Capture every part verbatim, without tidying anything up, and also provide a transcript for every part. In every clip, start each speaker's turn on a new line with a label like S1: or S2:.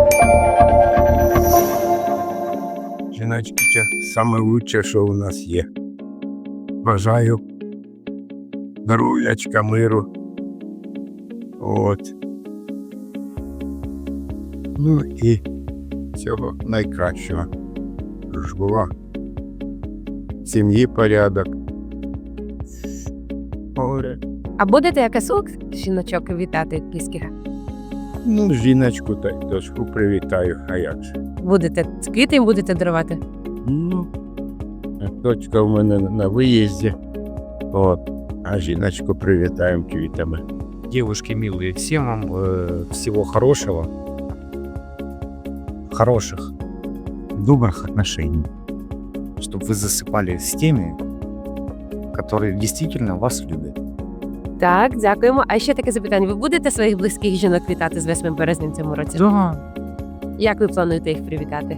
S1: Жіночки, це саме лучше, що у нас є. Бажаю здоров'ячка, миру. От. Ну і всього найкращого. Щоб була в сім'ї порядок. Горе.
S2: А будете якось жіночок вітати близьких?
S1: Ну, жіночку та й дочку привітаю, а як же.
S2: Будете квіти їм будете дарувати?
S1: Ну, дочка в мене на виїзді. От. А жіночку привітаємо квітами.
S3: Девушки милые, всем вам э, всего хорошего, хороших, добрых отношений, чтобы вы засыпали с теми, которые действительно вас любят.
S2: Так, дякуємо. А ще таке запитання. Ви будете своїх близьких жінок вітати з восьмим березня в цьому році?
S3: Да.
S2: Як ви плануєте їх привітати?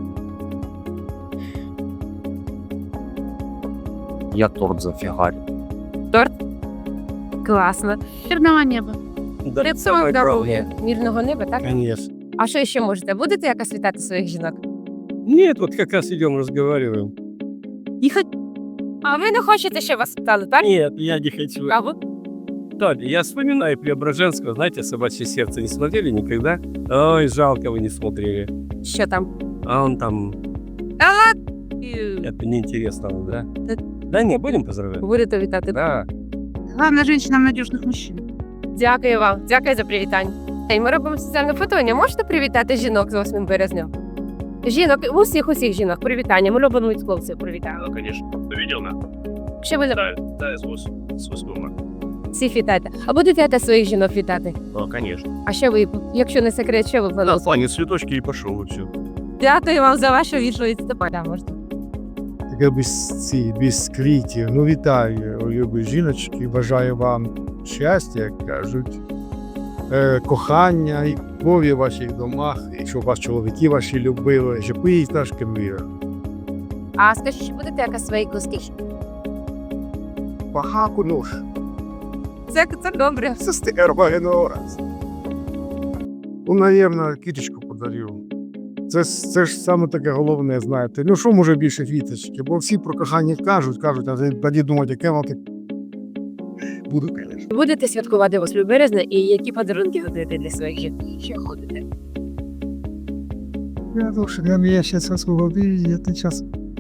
S3: Я торт зафигарю.
S2: Торт? Класно.
S4: Мирного неба.
S2: Лицо здоров'я. Мирного неба, так?
S5: Конечно.
S2: А що ще можете? Будете якось вітати своїх жінок?
S5: Нет, вот как раз идем, разговариваем.
S2: Їхать. А ви не хочете, щоб вас вітали, так?
S5: Нет, я не хочу.
S2: А ви?
S5: Толя, я вспоминаю Преображенского, знаете, «Собачье сердце» не смотрели никогда? Ой, жалко, вы не смотрели.
S2: Що там?
S5: А он там, это неинтересно, да? Да не, будем поздравлять?
S2: Будете вітати?
S5: Да.
S4: Главное, женщинам надежных мужчин.
S2: Дякую вам. Дякую за привітання. І ми робимо соціальне фотоня. Можете привітати жінок з восьмим березня? Жінок, усіх усіх жінок привітання. Ми любимо від хлопців привітання.
S6: Ну, конечно. Ты видел, на?
S2: Що ви
S6: Да, да, с восьмого марта.
S2: всіх вітаєте? А будете якось своїх жінок вітати?
S6: Да, конечно.
S2: А що ви, якщо не секрет, що ви
S6: Да,
S2: плануєте?
S6: Саня, цветочки и пошел, и все.
S2: Дякую вам за вашу відповідь. Да, можна.
S7: Таке без, ці, без квітів. Ну, вітаю, любі жіночки, бажаю вам щастя, як кажуть, е, кохання і любові в ваших домах, і щоб вас чоловіки ваші любили, щоб ви їх трошки миру.
S2: А скажіть, чи будете якось своїх близьких?
S7: Багаку нож.
S2: Це, це добре.
S7: Це стерва генораз. Ну, навірно, кіточку подарив. Це, ж- це ж саме таке головне, знаєте. Ну, що може більше квіточки? Бо всі про кохання кажуть, кажуть, а тоді думають, яке воно так. Буду, звісно.
S2: Будете святкувати восьмого березня і які подарунки готуєте для своїх жінок? Що ходите?
S7: Я думаю, что для меня сейчас освободили это час.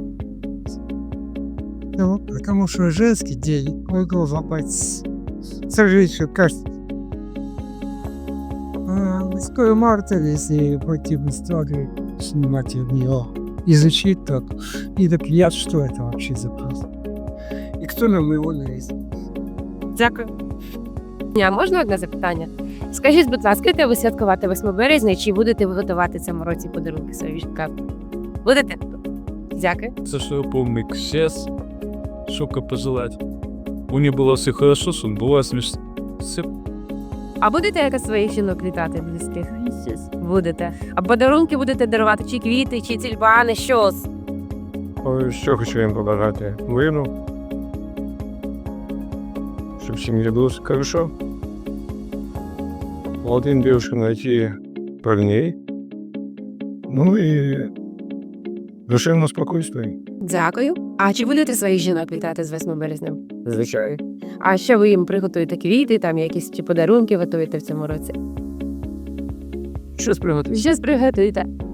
S7: Ну, потому что женский день, мой глаза пойти. Сожжение, кажется. Скоро марта, если пойти в историю, снимать в нее, изучить так, и доклеять, что это вообще за просто. И кто нам его навесит?
S2: Дякую. А можна одне запитання? Скажіть, будь ласка, будете ви святкувати восьмого березня, чи будете ви готувати цьому році подарунки своїм жінкам? Будете? Дякую.
S8: За что я помню сейчас, шока пожелать. У нее было все хорошо, сон была смешно. Все.
S2: А будете якось своїх жінок вітати близьких? Будете. А подарунки будете дарувати? Чи квіти, чи тюльпани, що?
S7: Ой, що хочу їм побажати? Миру. Щоб всім мені було хорошо. Молодым девушкам найти парней. Ну і душевного спокійства.
S2: Дякую. А чи будете своїх жінок вітати з восьмого березня?
S5: Звичайно.
S2: А що ви їм приготуєте? Квіти, там якісь чи подарунки готуєте в цьому році?
S5: Щось приготуй.
S2: Щось приготуєте.